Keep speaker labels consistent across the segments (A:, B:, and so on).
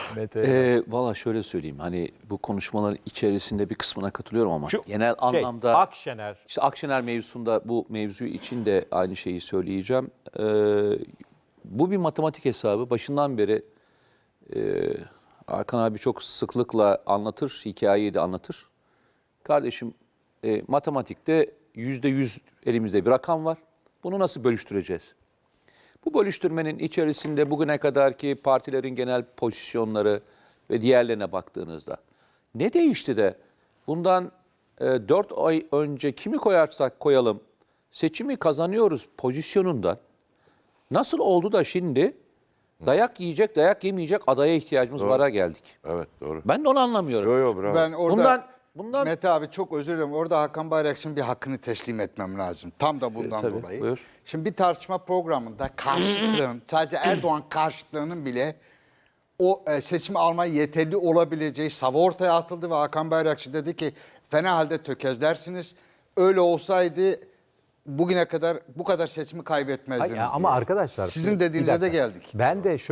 A: Valla şöyle söyleyeyim, hani bu konuşmaların içerisinde bir kısmına katılıyorum ama genel anlamda
B: Akşener.
A: işte Akşener mevzusunda bu mevzu için de aynı şeyi söyleyeceğim. Bu bir matematik hesabı. Başından beri Hakan abi çok sıklıkla anlatır, hikayeyi de anlatır. Kardeşim, matematikte %100 elimizde bir rakam var. Bunu nasıl bölüştüreceğiz? Bu bölüştürmenin içerisinde bugüne kadarki partilerin genel pozisyonları ve diğerlerine baktığınızda ne değişti de bundan 4 ay önce kimi koyarsak koyalım seçimi kazanıyoruz pozisyonundan nasıl oldu da şimdi dayak yiyecek, dayak yemeyecek adaya ihtiyacımız vara geldik.
C: Evet, doğru.
A: Ben de onu anlamıyorum.
C: Bravo.
D: Ben orada
A: Bundan
D: Mete abi çok özür dilerim. Orada Hakan Bayrakçı'nın bir hakkını teslim etmem lazım. Tam da bundan
A: tabii,
D: dolayı.
A: buyur.
D: Şimdi bir tartışma programında karşıtlığın, sadece Erdoğan karşıtlığının bile o seçimi almaya yeterli olabileceği savı ortaya atıldı ve Hakan Bayrakçı dedi ki fena halde tökezlersiniz. Öyle olsaydı bugüne kadar bu kadar seçimi kaybetmezdiniz
B: Hayır, ama
D: diye.
B: arkadaşlar
D: Sizin
B: bir
D: dediğinize de
B: dakika.
D: geldik.
B: Ben de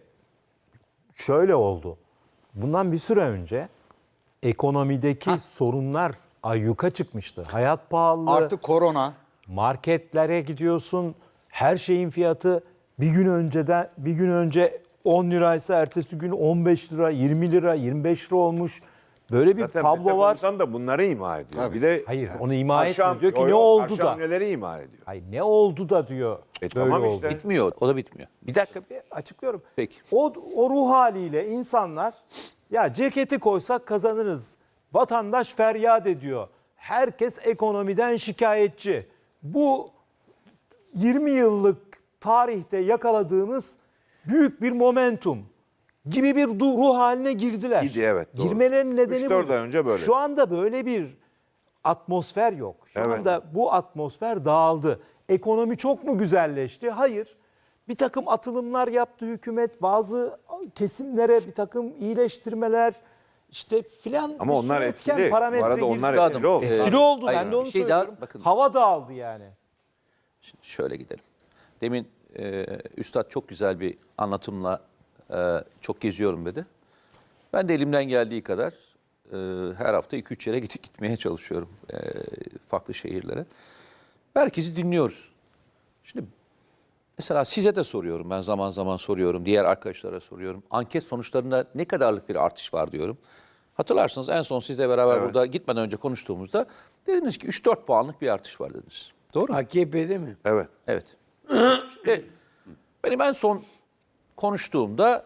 B: şöyle oldu. Bundan bir süre önce ekonomideki sorunlar ayyuka çıkmıştı. Hayat pahalılığı,
D: Artık korona.
B: marketlere gidiyorsun. Her şeyin fiyatı bir gün önce 10 liraysa ertesi gün 15 lira, 20 lira, 25 lira olmuş. Böyle bir
C: Zaten
B: tablo
C: Mete
B: var.
C: Komutan da bunları ima ediyor.
D: Tabii.
C: Bir de
B: Hayır, onu ima etmiyor. Diyor ki
C: Yo,
B: ne
C: yo,
B: oldu
C: karşı
B: da?
C: hamleleri ima ediyor.
B: Hayır, ne oldu da diyor. Böyle
C: Tamam
B: oldu.
C: işte.
A: bitmiyor, o da bitmiyor.
B: Bir dakika bir açıklıyorum.
A: Peki.
B: O ruh haliyle insanlar ya ceketi koysak kazanırız. Vatandaş feryat ediyor. Herkes ekonomiden şikayetçi. Bu 20 yıllık tarihte yakaladığımız büyük bir momentum gibi bir ruh haline girdiler.
C: İdi, evet, doğru.
B: Girmelerinin nedeni
C: 3-4 ay önce böyle.
B: Şu anda böyle bir atmosfer yok. Şu
C: Evet.
B: anda bu atmosfer dağıldı. Ekonomi çok mu güzelleşti? Hayır. Bir takım atılımlar yaptı hükümet. Bazı kesimlere bir takım iyileştirmeler işte filan.
C: Ama
B: bir
C: onlar
B: sürü
C: etkili.
B: etken,
C: Bu
B: parametre
C: arada onlar
B: girdi.
C: etkili oldu.
B: Etkili oldu.
A: Hayır,
B: Ben de onu
A: bir şey daha,
B: söylüyorum.
A: bakın.
B: Hava dağıldı yani.
A: Şöyle gidelim. Demin Üstad çok güzel bir anlatımla çok geziyorum dedi. Ben de elimden geldiği kadar her hafta 2-3 yere gitmeye çalışıyorum. Farklı şehirlere. Herkesi dinliyoruz. Şimdi mesela size de soruyorum. Ben zaman zaman soruyorum. Diğer arkadaşlara soruyorum. Anket sonuçlarında ne kadarlık bir artış var diyorum. Hatırlarsınız en son sizle beraber burada gitmeden önce konuştuğumuzda dediniz ki 3-4 puanlık bir artış var dediniz. Doğru mu?
E: AKP'de mi?
C: Evet.
A: Evet. Şimdi benim en son konuştuğumda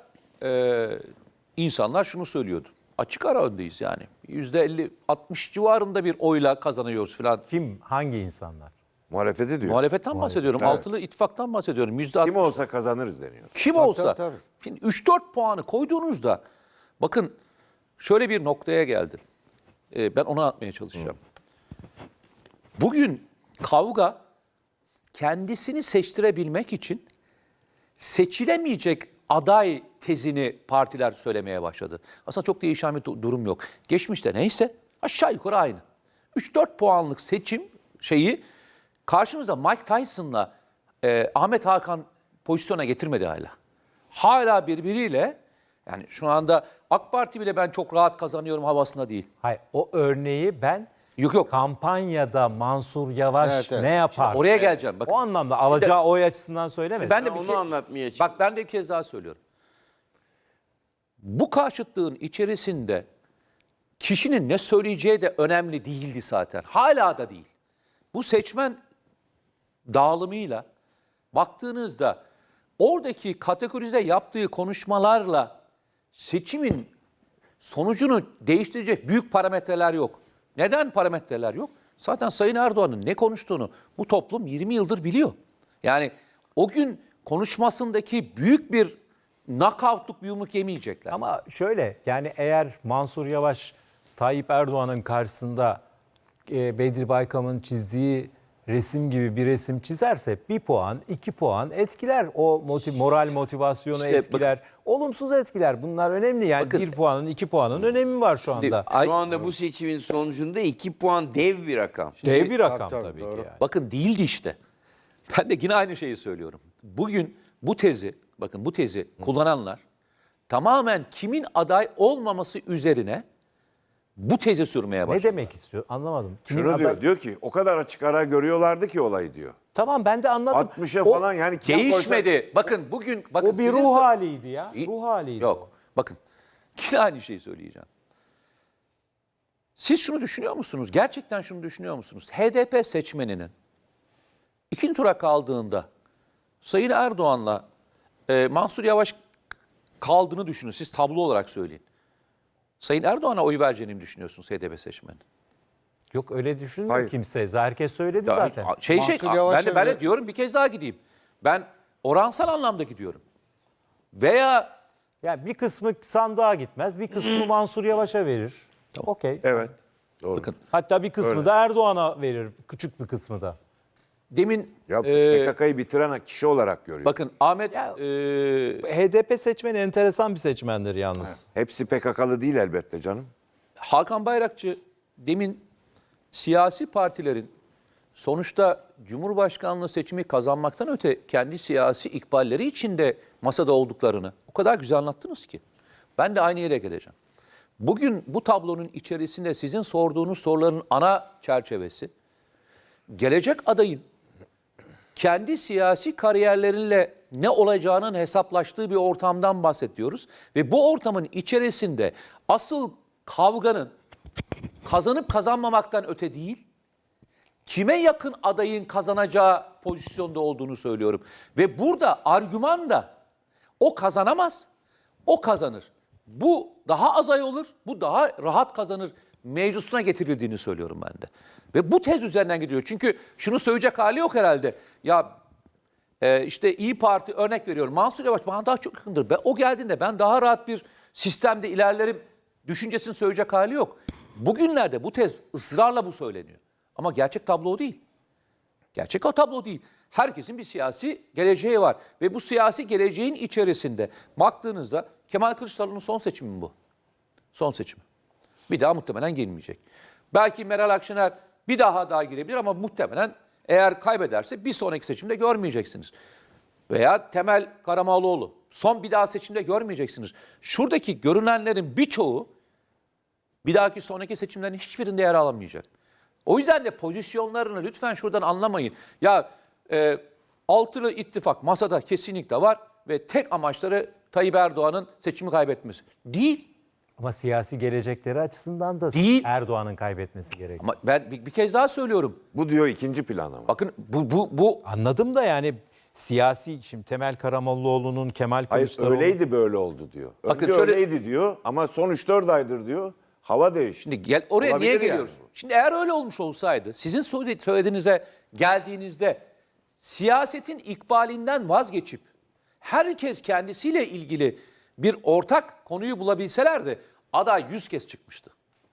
A: insanlar şunu söylüyordu. Açık ara öndeyiz yani. %50-60 civarında bir oyla kazanıyoruz falan.
B: Kim? Hangi insanlar?
C: Muhalefeti diyor.
A: Muhalefetten bahsediyorum.
C: Evet.
A: Altılı ittifaktan bahsediyorum.
C: Kim olsa kazanırız deniyor.
A: Kim olsa.
D: tabii.
A: Şimdi 3-4 puanı koyduğunuzda bakın şöyle bir noktaya geldim. Ben onu anlatmaya çalışacağım. Bugün kavga kendisini seçtirebilmek için seçilemeyecek aday tezini partiler söylemeye başladı. Aslında çok değişen bir durum yok. Geçmişte neyse aşağı yukarı aynı. 3-4 puanlık seçim şeyi karşımızda Mike Tyson'la Ahmet Hakan pozisyona getirmedi hala. Hala birbiriyle yani şu anda AK Parti bile ben çok rahat kazanıyorum havasında değil.
B: Hayır, o örneği ben
A: Yok.
B: kampanyada Mansur Yavaş
D: Evet, evet.
B: ne yapar?
A: Oraya geleceğim. Bakın.
B: O anlamda alacağı oy açısından söylemedim.
A: Ben de
E: Ben
A: bir
E: onu anlatmaya
A: Bak ben de bir kez daha söylüyorum. Bu karşıtlığın içerisinde kişinin ne söyleyeceği de önemli değildi zaten. Hala da değil. Bu seçmen dağılımıyla baktığınızda oradaki kategorize yaptığı konuşmalarla seçimin sonucunu değiştirecek büyük parametreler yok. Neden parametreler yok? Zaten Sayın Erdoğan'ın ne konuştuğunu bu toplum 20 yıldır biliyor. Yani o gün konuşmasındaki büyük bir knockout'luk bir yumruk yemeyecekler.
B: Ama şöyle yani eğer Mansur Yavaş Tayyip Erdoğan'ın karşısında Bedri Baykam'ın çizdiği resim gibi bir resim çizerse 1 puan, 2 puan etkiler. O moral motivasyonu
A: İşte
B: etkiler. Olumsuz etkiler. Bunlar önemli. Yani
A: Bakın,
B: 1 puanın, 2 puanın önemi var şu anda.
E: Şu anda bu seçimin sonucunda 2 puan dev bir rakam.
B: Dev bir rakam
D: tabii,
B: tabii ki
D: doğru.
B: yani.
A: Bakın değildi işte. Ben de yine aynı şeyi söylüyorum. Bugün bu tezi, bakın bu tezi kullananlar tamamen kimin aday olmaması üzerine bu tezi sürmeye başladı.
B: Ne demek istiyor? Anlamadım. Kimin
C: Şunu
B: aday-
C: diyor ki o kadar açık ara görüyorlardı ki olayı diyor.
B: Tamam ben de anladım.
C: 60'a
B: O-
C: falan yani kim
A: Değişmedi. Bakın bugün bakın
B: O bir
A: sizin
B: ruh haliydi ya.
A: İyi.
B: Ruh haliydi.
A: Yok. Bakın yine aynı şeyi söyleyeceğim. Siz şunu düşünüyor musunuz? Gerçekten şunu düşünüyor musunuz? HDP seçmeninin ikinci tura kaldığında Sayın Erdoğan'la Mansur Yavaş kaldığını düşünün. Siz tablo olarak söyleyin. Sayın Erdoğan'a oy vereceğini mi düşünüyorsunuz HDP seçmeni?
B: Yok öyle düşünmüyor
C: Hayır.
B: kimse. Herkes söyledi
A: Ya,
B: zaten.
D: Mansur Yavaş'a
A: ben de
D: ve-
A: diyorum bir kez daha gideyim. Ben oransal anlamda gidiyorum. Veya
B: Ya bir kısmı sandığa gitmez, bir kısmı Mansur Yavaş'a verir. Okey.
C: Evet. Doğru.
A: bakın
B: Hatta bir kısmı da Erdoğan'a verir, küçük bir kısmı da.
A: demin
C: Ya PKK'yı bitiren kişi olarak görüyor.
A: bakın Ahmet
B: Ya- HDP seçmeni enteresan bir seçmendir yalnız.
C: Hepsi PKK'lı değil elbette canım.
A: Hakan Bayrakçı demin siyasi partilerin sonuçta Cumhurbaşkanlığı seçimi kazanmaktan öte kendi siyasi ikballeri içinde masada olduklarını o kadar güzel anlattınız ki. Ben de aynı yere geleceğim. Bugün bu tablonun içerisinde sizin sorduğunuz soruların ana çerçevesi gelecek adayın kendi siyasi kariyerleriyle ne olacağının hesaplaştığı bir ortamdan bahsediyoruz. Ve bu ortamın içerisinde asıl kavganın kazanıp kazanmamaktan öte değil, kime yakın adayın kazanacağı pozisyonda olduğunu söylüyorum. Ve burada argüman da o kazanamaz, o kazanır. Bu daha az ay olur, bu daha rahat kazanır mevzusuna getirildiğini söylüyorum ben de. Ve bu tez üzerinden gidiyor. Çünkü şunu söyleyecek hali yok herhalde. Ya işte İyi Parti örnek veriyorum. Mansur Yavaş bana daha çok yakındır. O geldiğinde ben daha rahat bir sistemde ilerlerim düşüncesini söyleyecek hali yok. Bugünlerde bu tez ısrarla bu söyleniyor. Ama gerçek tablo o değil. Gerçek o tablo değil. Herkesin bir siyasi geleceği var. Ve bu siyasi geleceğin içerisinde baktığınızda Kemal Kılıçdaroğlu'nun son seçimi mi bu? Son seçimi. Bir daha muhtemelen gelmeyecek. Belki Meral Akşener bir daha girebilir ama muhtemelen eğer kaybederse bir sonraki seçimde görmeyeceksiniz. Veya Temel Karamollaoğlu son bir daha seçimde görmeyeceksiniz. Şuradaki görünenlerin birçoğu bir dahaki sonraki seçimlerin hiçbirinde yer alamayacak. O yüzden de pozisyonlarını lütfen şuradan anlamayın. Ya altılı ittifak masada kesinlikle var ve tek amaçları Tayyip Erdoğan'ın seçimi kaybetmesi. Değil.
B: Ama siyasi gelecekleri açısından da
A: Değil.
B: Erdoğan'ın kaybetmesi gerekiyor.
A: Ama ben bir kez daha söylüyorum.
C: Bu diyor ikinci plan ama.
A: Bakın bu
B: Anladım da yani siyasi, şimdi Temel Karamollaoğlu'nun, Kemal
C: Hayır
B: Kılıçdaroğlu...
C: öyleydi böyle oldu diyor.
A: Bakın
C: Önce
A: şöyle-
C: öyleydi diyor ama son 3-4 aydır diyor hava değişti.
A: şimdi oraya
C: Olabilir
A: niye
C: yani
A: geliyoruz?
C: bu.
A: Şimdi eğer öyle olmuş olsaydı sizin söylediğinize geldiğinizde siyasetin ikbalinden vazgeçip herkes kendisiyle ilgili bir ortak konuyu bulabilselerdi aday 100 kez çıkmıştı.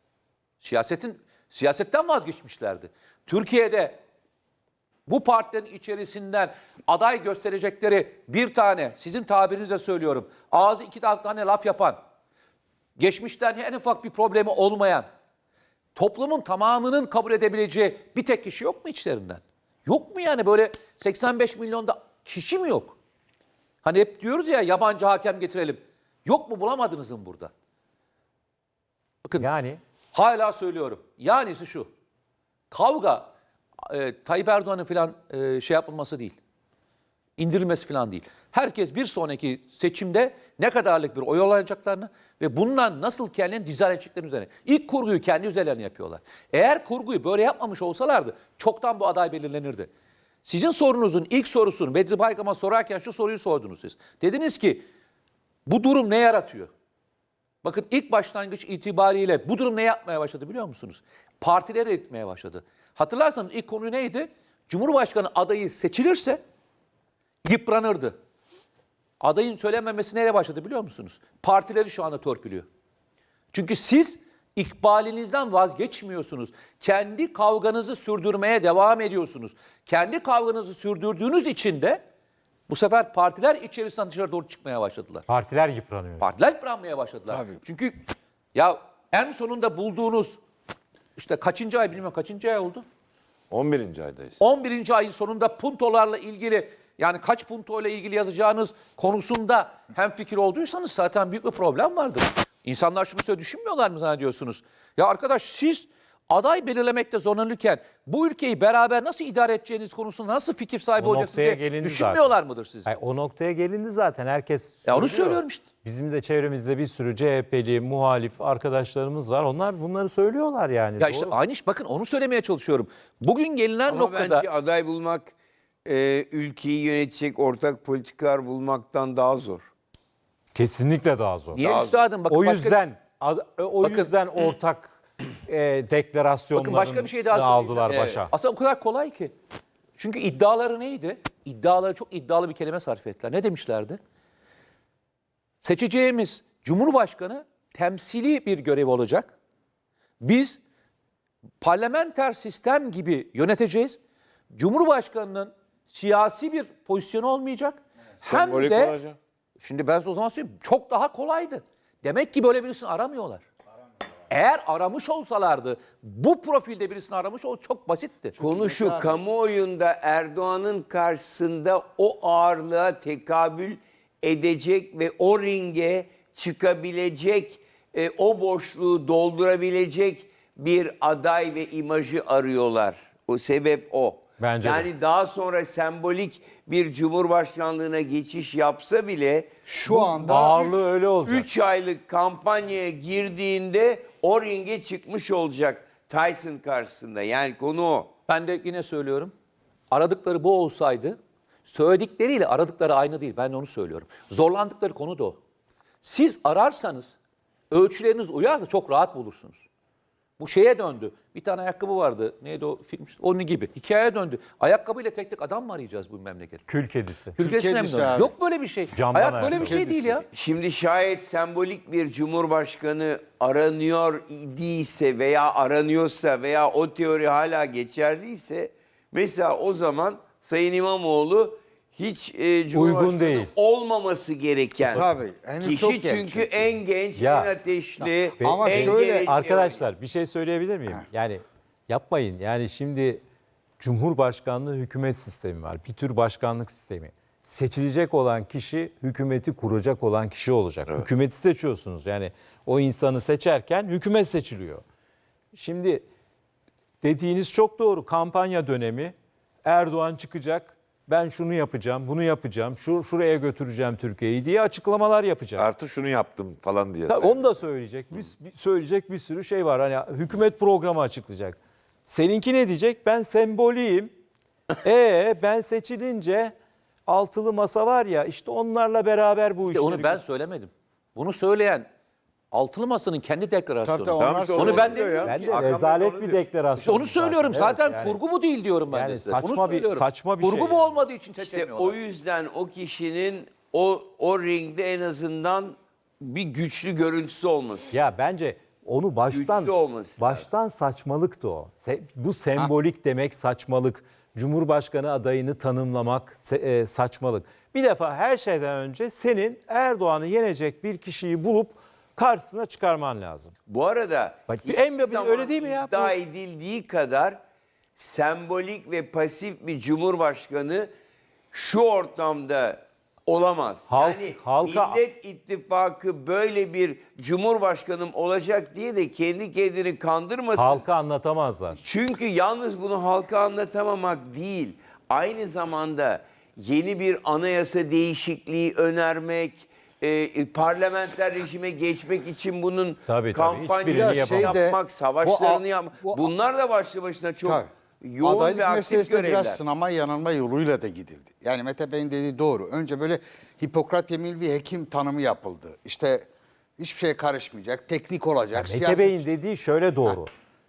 A: Siyasetten vazgeçmişlerdi. Türkiye'de bu partilerin içerisinden aday gösterecekleri bir tane, sizin tabirinizle söylüyorum, ağzı iki tane laf yapan, geçmişten en ufak bir problemi olmayan, toplumun tamamının kabul edebileceği bir tek kişi yok mu içlerinden? Yok mu yani böyle 85 milyonda kişi mi yok? Hani hep diyoruz ya yabancı hakem getirelim. Yok mu, bulamadınız mı burada? Bakın
B: Yani
A: hala söylüyorum. Yanisi şu. Kavga Tayyip Erdoğan'ın falan şey yapılması değil. İndirilmesi falan değil. Herkes bir sonraki seçimde ne kadarlık bir oy alacaklarını ve bundan nasıl kendini dizayn edeceklerini üzerine. İlk kurguyu kendi üzerlerine yapıyorlar. Eğer kurguyu böyle yapmamış olsalardı çoktan bu aday belirlenirdi. Sizin sorunuzun ilk sorusunu Bedri Baykam'a sorarken şu soruyu sordunuz siz. Dediniz ki bu durum ne yaratıyor? Bakın ilk başlangıç itibariyle bu durum ne yapmaya başladı biliyor musunuz? Partileri eritmeye başladı. Hatırlarsanız ilk konu neydi? Cumhurbaşkanı adayı seçilirse yıpranırdı. Adayın söylenmemesi neyle başladı biliyor musunuz? Partileri şu anda torpiliyor. Çünkü siz ikbalinizden vazgeçmiyorsunuz. Kendi kavganızı sürdürmeye devam ediyorsunuz. Kendi kavganızı sürdürdüğünüz için de bu sefer partiler içerisinden dışarı doğru çıkmaya başladılar.
B: partiler yıpranıyor.
A: Partiler yıpranmaya başladılar.
D: Tabii.
A: Çünkü ya en sonunda bulduğunuz işte kaçıncı ay bilmiyorum kaçıncı ay oldu?
C: 11. aydayız.
A: 11. ayın sonunda puntolarla ilgili Yani kaç punto ile ilgili yazacağınız konusunda hemfikir olduysanız zaten büyük bir problem vardır. İnsanlar şunu söyle düşünmüyorlar mı zannediyorsunuz? Ya arkadaş siz aday belirlemekte zorlanırken bu ülkeyi beraber nasıl idare edeceğiniz konusunda nasıl fikir sahibi
B: O
A: olacaksınız
B: noktaya
A: diye
B: gelindi
A: düşünmüyorlar
B: zaten.
A: mıdır siz?
B: Hayır, o noktaya gelindi zaten. Herkes
A: Ya onu
B: söylüyor.
A: söylüyorum işte.
B: Bizim de çevremizde bir sürü CHP'li, muhalif arkadaşlarımız var. Onlar bunları söylüyorlar yani.
A: Ya işte
B: Doğru.
A: aynı iş bakın onu söylemeye çalışıyorum. Bugün gelinen
E: Ama
A: noktada
E: bence aday bulmak ülkeyi yönetecek ortak politikalar bulmaktan daha zor.
B: Kesinlikle daha zor.
A: niye
E: Daha-
A: üstadım bakın
B: O
A: başka-
B: yüzden
A: Bakın-
B: yüzden ortak deklarasyonların
A: Bakın başka bir şey daha söyleyeceğim.
B: aldılar
E: Evet.
B: başa.
A: Aslında o kadar kolay ki. Çünkü iddiaları neydi? İddiaları çok iddialı bir kelime sarf ettiler. Ne demişlerdi? Seçeceğimiz Cumhurbaşkanı temsili bir görev olacak. Biz parlamenter sistem gibi yöneteceğiz. Cumhurbaşkanının siyasi bir pozisyonu olmayacak. Hem
C: Sembolik
A: de
C: olacak.
A: şimdi ben size o zaman söyleyeyim çok daha kolaydı. Demek ki böyle birisini aramıyorlar. Eğer aramış olsalardı bu profilde birisini aramış çok basitti.
E: Konu şu, kamuoyunda Erdoğan'ın karşısında o ağırlığa tekabül edecek ve o ringe çıkabilecek, o boşluğu doldurabilecek bir aday ve imajı arıyorlar. O sebep o.
B: Bence de.
E: yani daha sonra sembolik bir cumhurbaşkanlığına geçiş yapsa bile
D: Şu anda
B: Ağırlığı öyle olacak.
E: 3 aylık kampanyaya girdiğinde o ringe çıkmış olacak Tyson karşısında. Yani konu o.
A: Ben de yine söylüyorum. Aradıkları bu olsaydı söyledikleriyle aradıkları aynı değil. Ben de onu söylüyorum. Zorlandıkları konu da o. Siz ararsanız ölçüleriniz uyarsa çok rahat bulursunuz. Bu şeye döndü. Bir tane ayakkabı vardı. Neydi o film? Onun gibi. Hikayeye döndü. Ayakkabıyla tek tek adam mı arayacağız bu memlekette?
B: Kül kedisi.
A: Ülkesine mi
D: kedisi
A: döndü?
D: abi.
A: Yok böyle bir şey.
B: Camdan
A: Hayat böyle
B: ayakkabı.
A: bir şey değil ya.
E: Şimdi şayet sembolik bir cumhurbaşkanı aranıyor değilse veya aranıyorsa veya o teori hala geçerliyse mesela o zaman Sayın İmamoğlu hiç cumhurbaşkanı
B: değil.
E: olmaması gereken
D: Tabii, henüz çok
E: kişi
D: genç
E: çünkü
D: çünkü.
E: en genç,
B: Ya.
E: en ateşli,
D: Ama
E: en
D: şöyle,
E: geleceği
B: Arkadaşlar bir şey söyleyebilir miyim? Yani yapmayın. Yani şimdi Cumhurbaşkanlığı hükümet sistemi var. Bir tür başkanlık sistemi. Seçilecek olan kişi hükümeti kuracak olan kişi olacak. Hükümeti seçiyorsunuz. Yani o insanı seçerken hükümet seçiliyor. Şimdi dediğiniz çok doğru. Kampanya dönemi Erdoğan çıkacak. Ben şunu yapacağım, bunu yapacağım, şuraya götüreceğim Türkiye'yi diye açıklamalar yapacak.
F: Artı şunu yaptım falan diye.
B: Tabii onu da söyleyecek. Söyleyecek bir sürü şey var. Hani hükümet programı açıklayacak. Seninki ne diyecek? Ben semboliyim. Ben seçilince altılı masa var ya işte onlarla beraber bu işleri...
A: Onu ben söylemedim. Bunu söyleyen Altılı Masa'nın kendi deklarasyonu.
D: Tabii,
F: Tamam
D: onlar
F: işte
A: Onu ben
F: diyor
A: demiyorum
B: Ben
A: ki.
B: de
F: Hakan Bey
B: rezalet
F: onu
B: bir
F: diyor.
B: deklarasyon.
A: İşte onu söylüyorum.
B: Evet,
A: Zaten
B: yani.
A: kurgu bu değil diyorum ben
B: Yani
A: de size.
B: saçma
A: Bunu
B: bir-
A: söylüyorum.
B: saçma bir
A: kurgu
B: şey
A: bu
B: yani.
A: olmadığı için
E: İşte
A: seçemiyorlar.
E: o yüzden o kişinin o ringde en azından bir güçlü görüntüsü olması.
B: Ya bence onu
E: Güçlü olması
B: baştan saçmalıktı o. Bu sembolik demek saçmalık. Cumhurbaşkanı adayını tanımlamak saçmalık. Bir defa her şeyden önce senin Erdoğan'ı yenecek bir kişiyi bulup karşısına çıkarman lazım.
E: Bu arada
B: Bak,
E: hiçbir
B: en-
E: zaman
B: öyle değil mi ya?
E: iddia
B: Bu-
E: edildiği kadar sembolik ve pasif bir cumhurbaşkanı şu ortamda olamaz.
B: Halka-
E: Millet İttifakı böyle bir cumhurbaşkanım olacak diye de kendi kendini kandırmasın.
B: Halka anlatamazlar.
E: Çünkü yalnız bunu halka anlatamamak değil, aynı zamanda yeni bir anayasa değişikliği önermek, parlamenter rejime geçmek için bunun
B: Tabii,
E: kampanyasını
B: hiçbirini
D: yapamaz.
E: yapmak, savaşlarını
D: Bu-
E: yapmak.
D: bu-
E: Bunlar da başlı başına çok
D: Tabii.
E: yoğun
D: Adaylık
E: ve aktif
D: meselesinde
E: görevler.
D: biraz sınama yanılma yoluyla da gidildi. Yani Mete Bey'in dediği doğru. Önce böyle Hipokrat yeminli bir hekim tanımı yapıldı. İşte hiçbir şeye karışmayacak, teknik olacak.
B: Mete
D: siyaset-
B: Bey'in dediği şöyle doğru.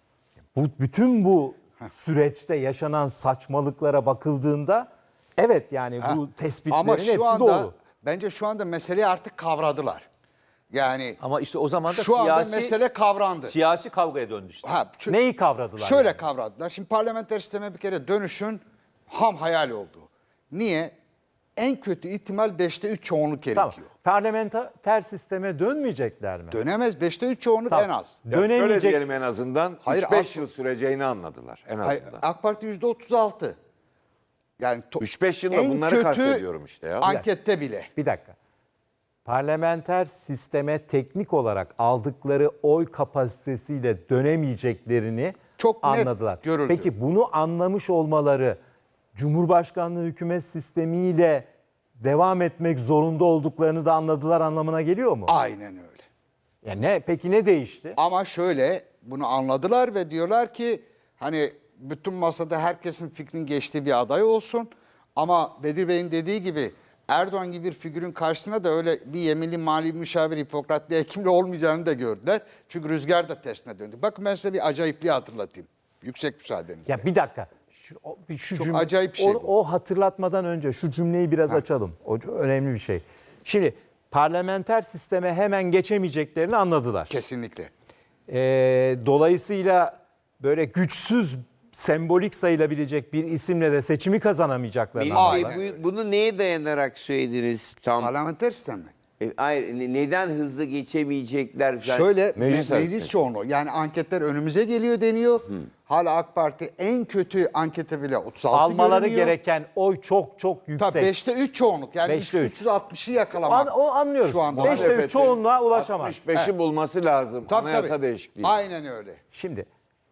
B: Bütün bu süreçte yaşanan saçmalıklara bakıldığında evet yani bu tespitlerin
D: Ama
B: hepsi
D: şu anda
B: doğru.
D: bence şu anda meseleyi artık kavradılar. Yani
A: Ama işte o zaman da
D: şu anda
A: siyasi,
D: mesele kavrandı.
A: siyasi kavgaya döndü işte.
B: Neyi kavradılar?
D: Şöyle
B: yani?
D: kavradılar. Şimdi parlamenter sisteme bir kere dönüşün ham hayal oldu. Niye? En kötü ihtimal 5'te 3 çoğunluk
B: Tamam.
D: gerekiyor.
B: Parlamenter sisteme dönmeyecekler mi?
D: Dönemez 5'te 3 çoğunluk
B: Tamam.
D: en az.
F: Ya şöyle
B: Dönemeyecek.
F: diyelim en azından
D: Hayır,
F: 3-5
D: asıl-
F: yıl süreceğini anladılar en
D: Hayır,
F: azından.
D: AK Parti %36. Yani
F: 3-5 yılda
D: en
F: bunları
D: kötü
F: kastediyorum işte ya.
D: ankette bile.
B: Bir dakika. Parlamenter sisteme teknik olarak aldıkları oy kapasitesiyle dönemeyeceklerini
D: Çok net
B: anladılar.
D: görüldü.
B: Peki bunu anlamış olmaları Cumhurbaşkanlığı hükümet sistemiyle devam etmek zorunda olduklarını da anladılar anlamına geliyor mu?
D: Aynen öyle.
B: Peki ne değişti?
D: Ama şöyle bunu anladılar ve diyorlar ki hani bütün masada herkesin fikrinin geçtiği bir aday olsun. Ama Bedir Bey'in dediği gibi Erdoğan gibi bir figürün karşısına da öyle bir yeminli mali müşavir Hipokratlı hekimle olmayacağını da gördüler. Çünkü rüzgar da tersine döndü. Bakın ben size bir acayipliği hatırlatayım. Yüksek müsaadenizle.
B: Ya bir dakika. Şu
D: Çok
B: cümle-
D: acayip bir şey bu.
B: O hatırlatmadan önce şu cümleyi biraz açalım. O önemli bir şey. Şimdi parlamenter sisteme hemen geçemeyeceklerini anladılar.
D: Kesinlikle.
B: Dolayısıyla böyle güçsüz, sembolik sayılabilecek bir isimle de seçimi kazanamayacaklarını
E: Melih
B: anladılar.
E: Bey, bunu neye dayanarak söylediniz tam?
D: Parlamenter sistem mi?
E: Hayır, neden hızlı geçemeyecekler zaten?
D: Şöyle
F: Meclis
D: meclis
F: hareketi.
D: çoğunluğu yani anketler önümüze geliyor deniyor. Hala AK Parti en kötü ankete bile 36
B: Almaları
D: görünüyor.
B: gereken oy çok yüksek.
D: Tabii 5'te 3 çoğunluk yani
B: 5'te 3.
D: 360'ı yakalamak.
B: O anlıyoruz.
D: Şu anda.
B: 5'te 3
F: Muhalefetin
B: çoğunluğa ulaşamaz.
F: 65'i bulması lazım.
D: Tabii,
F: Anayasa
D: tabii.
F: değişikliği.
D: Aynen öyle.
B: Şimdi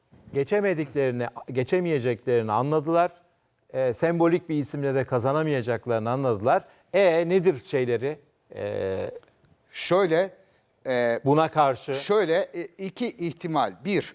B: geçemeyeceklerini anladılar. Sembolik bir isimle de kazanamayacaklarını anladılar. Nedir şeyleri
D: Şöyle
B: buna karşı?
D: iki ihtimal. Bir,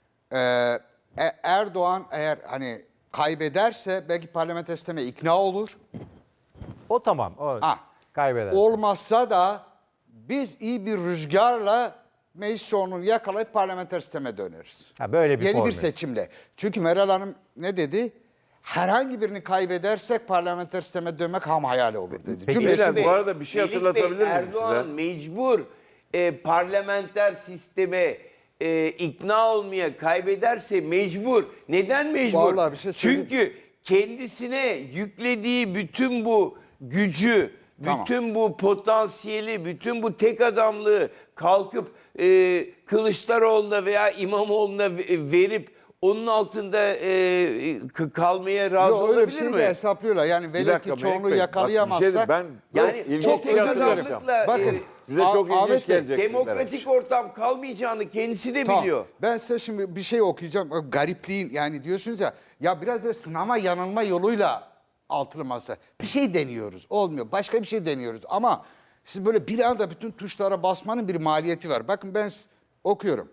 D: Erdoğan eğer hani kaybederse belki parlamenter sisteme ikna olur.
B: O tamam. O
D: Ha.
B: kaybeder.
D: Olmazsa da biz iyi bir rüzgarla meclis çoğunluğunu yakalayıp parlamenter sisteme döneriz.
B: Böyle bir
D: Yeni
B: formül.
D: bir seçimle. Çünkü Meral Hanım ne dedi? Herhangi birini kaybedersek parlamenter sisteme dönmek ham hayali olur dedi.
B: Peki,
D: Cümlesi
F: Beyler,
D: bu.
F: bu arada bir şey
E: Melih
F: hatırlatabilir
E: Bey,
F: miyim
E: Erdoğan
F: size?
E: mecbur parlamenter sisteme ikna olmaya, kaybederse mecbur. Neden mecbur?
D: Vallahi bir şey söyleyeyim.
E: Çünkü kendisine yüklediği bütün bu gücü,
D: Tamam.
E: bütün bu potansiyeli, bütün bu tek adamlığı kalkıp Kılıçdaroğlu'na veya İmamoğlu'na verip onun altında kalmaya razı
D: Yok, öyle bir
E: olabilir
D: şey
E: mi?
D: de hesaplıyorlar. Yani velev ki
F: Melek
D: çoğunluğu
F: Bey, bak, bir şey
D: yakalayamazsak.
F: ben
E: Yani
F: ilginç
E: çok
F: bir şey
E: tek
F: hatırlatacağım.
E: adamlıkla
D: Bakın,
F: Size çok
D: Ahmet
F: ilginç
D: Bey,
F: gelecek.
E: demokratik ortam kalmayacağını kendisi de
D: Tamam.
E: biliyor.
D: Ben size şimdi bir şey okuyacağım. O garipliğin yani diyorsunuz ya biraz böyle sınama yanılma yoluyla altılı masa. Bir şey deniyoruz. Olmuyor. Başka bir şey deniyoruz. Ama siz böyle bir anda bütün tuşlara basmanın bir maliyeti var. Bakın ben okuyorum.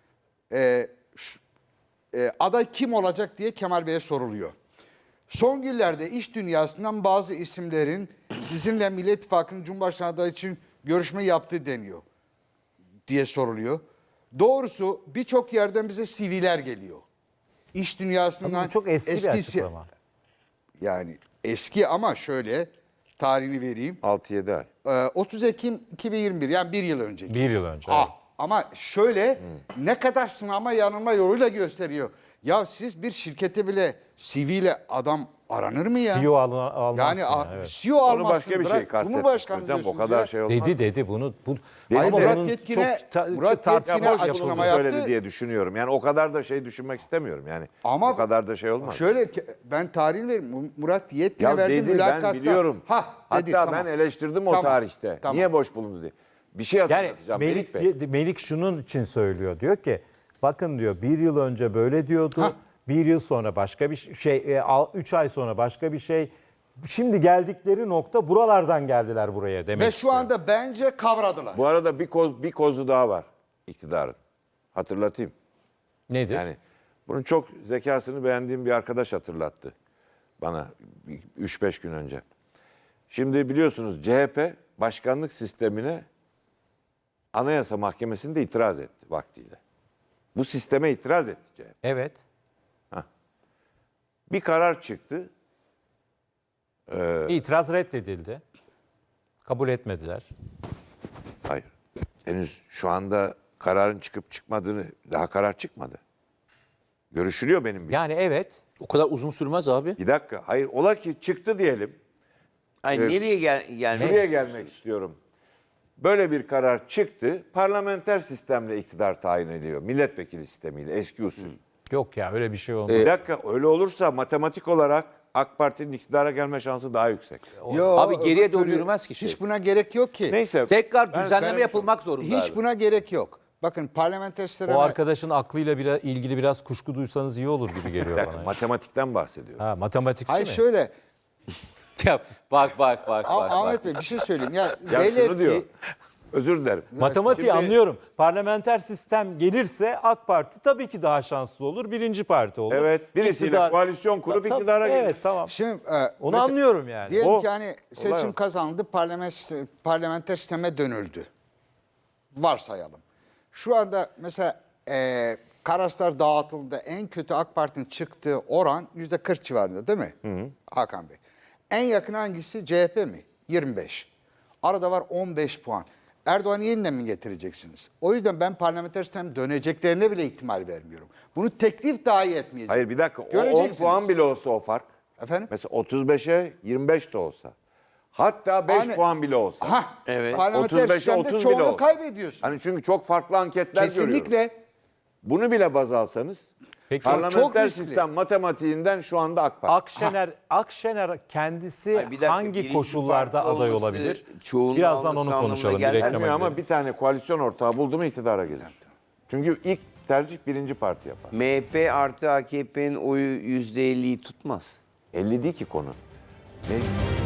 D: Aday kim olacak diye Kemal Bey'e soruluyor. Son günlerde iş dünyasından bazı isimlerin sizinle Millet İttifakı'nın Cumhurbaşkanı adayı için görüşme yaptığı deniyor diye soruluyor. Doğrusu birçok yerden bize CV'ler geliyor. İş dünyasından
B: Bu çok eski bir
D: si-
B: açıklama.
D: Yani eski ama şöyle tarihini vereyim.
F: 6-7 ay.
D: 30 Ekim 2021 yani bir yıl önceki.
B: Bir yıl önce.
D: Ah,
B: evet.
D: ama şöyle ne kadar sınama yanılma yoluyla gösteriyor. Ya siz bir şirkete bile CV ile adam aranır mı ya?
B: CEO almazsın.
D: Yani
B: evet.
D: CEO
F: Onu
D: almazsın.
F: başka bir şey
D: bırak
F: kastettim
D: Cumhurbaşkanı
F: hocam. O
D: diyorsunuz
F: kadar
D: ya.
F: şey olmaz.
B: Dedi bunu.
D: Hayır,
B: Ama
D: Murat
B: bunun
D: Yetkin'e-
B: çok ta-
D: Murat
B: tartışmalı
D: Yetkin'e
F: Boş
B: yapıldı.
F: bulundu
D: açıklama
F: söyledi
D: yaptı.
F: diye düşünüyorum. Yani o kadar da şey düşünmek istemiyorum. Yani
D: Ama
F: o kadar da şey olmaz.
D: Şöyle ben tarihini vereyim. Murat Yetkin'e
F: Ya
D: verdiği
F: dedi ben
D: mülakatta.
F: biliyorum.
D: Ha, dedi,
F: Hatta
D: tamam.
F: ben eleştirdim o
D: Tamam,
F: tarihte.
D: tamam.
F: Niye boş bulundu diye. Bir şey
B: Yani
F: hatırlatacağım Melik Bey.
B: Melik şunun için söylüyor. Diyor ki bakın diyor bir yıl önce böyle diyordu.
D: Hah.
B: Bir yıl sonra başka bir şey, 3 ay sonra başka bir şey. Şimdi geldikleri nokta buralardan geldiler buraya demek
D: Ve
B: istiyor.
D: şu anda bence kavradılar.
F: Bu arada bir kozu daha var iktidarın. Hatırlatayım.
B: Nedir?
F: Yani bunun çok zekasını beğendiğim bir arkadaş hatırlattı bana 3-5 gün önce. Şimdi biliyorsunuz CHP başkanlık sistemine Anayasa Mahkemesi'nde itiraz etti vaktiyle. Bu sisteme itiraz etti CHP.
B: Evet.
F: Bir karar çıktı.
B: İtiraz reddedildi. Kabul etmediler.
F: Hayır. Henüz şu anda kararın çıkıp çıkmadığını, daha karar çıkmadı. Görüşülüyor benim bildiğim.
B: Yani evet.
A: O kadar uzun sürmez abi.
F: Bir dakika. Hayır, ola ki çıktı diyelim.
E: Ay nereye gelmek?
F: Şuraya gelmek istiyorum. Böyle bir karar çıktı. Parlamenter sistemle iktidar tayin ediyor. Milletvekili sistemiyle, eski usul.
B: Yok ya öyle bir şey olmaz.
F: Bir dakika, öyle olursa matematik olarak AK Parti'nin iktidara gelme şansı daha yüksek.
D: Yo,
A: Abi geriye
D: öbür
A: doğru
D: türlü
A: yürümez ki şey.
D: Hiç buna gerek yok ki.
F: Neyse.
A: Tekrar
F: ben
A: düzenleme
F: söylemiş
A: yapılmak zorunda.
D: Hiç
A: abi.
D: buna gerek yok. Bakın parlamenter sisteme...
B: O arkadaşın aklıyla ilgili biraz kuşku duysanız iyi olur gibi geliyor
F: oldum.
B: bana.
F: Matematikten bahsediyorum.
B: Ha, matematikçi
D: Hayır
B: mi?
D: şöyle,
A: Ya, bak.
D: Ahmet Bey bir şey söyleyeyim. Ya,
F: Ya
D: velev
F: şunu diyor.
D: ki
F: Özür dilerim.
B: Matematiği
F: Şimdi-
B: anlıyorum. Parlamenter sistem gelirse AK Parti tabii ki daha şanslı olur. Birinci parti olur.
F: Evet, birisiyle
B: İktidar-
F: koalisyon kurup
B: Tabii,
F: iktidara gelir.
B: Evet, tamam.
D: şimdi
B: Onu
D: mesela
B: anlıyorum yani.
D: diyelim
F: O-
D: ki hani seçim
F: o.
D: kazandı, parlamenter sisteme dönüldü. Varsayalım. Şu anda mesela Kararslar dağıtıldı. En kötü AK Parti'nin çıktığı oran %40 civarında değil mi? Hakan Bey. En yakın hangisi? CHP mi? 25. Arada var 15 puan. Erdoğan'ı yeniden mi getireceksiniz? O yüzden ben parlamenter sistem döneceklerine bile ihtimal vermiyorum. Bunu teklif dahi etmeyecek.
F: Hayır bir dakika. O 10
D: Göreceksiniz.
F: puan bile olsa o fark.
D: Efendim?
F: Mesela 35'e 25 de olsa. Hatta 5
D: Hani-
F: puan bile olsa.
D: Hah,
E: Evet.
D: parlamenter
F: 35'e
D: sistemde
F: 30 bile
D: çoğunu
F: olsa.
D: kaybediyorsun.
F: Hani çünkü çok farklı anketler görüyorum.
D: Kesinlikle.
F: Bunu bile baz alsanız
B: Peki,
D: çok
F: parlamenter
D: riskli.
F: sistem matematiğinden şu anda AK Parti.
B: Akşener kendisi
E: Ay, bir dakika,
B: hangi
E: birinci
B: koşullarda
E: parti
B: aday
E: olması
B: olabilir?
E: çoğunluğu
B: Birazdan
E: alması
B: onu
E: anlamına
B: konuşalım. Bir
E: gelmez.
B: reklama
F: Gelmiyor ama
B: gidelim.
F: bir tane koalisyon ortağı buldu mu iktidara gelir. Çünkü ilk tercih birinci parti yapar.
E: MHP artı AKP'nin oyu %50'yi tutmaz.
F: 50 değil ki konu.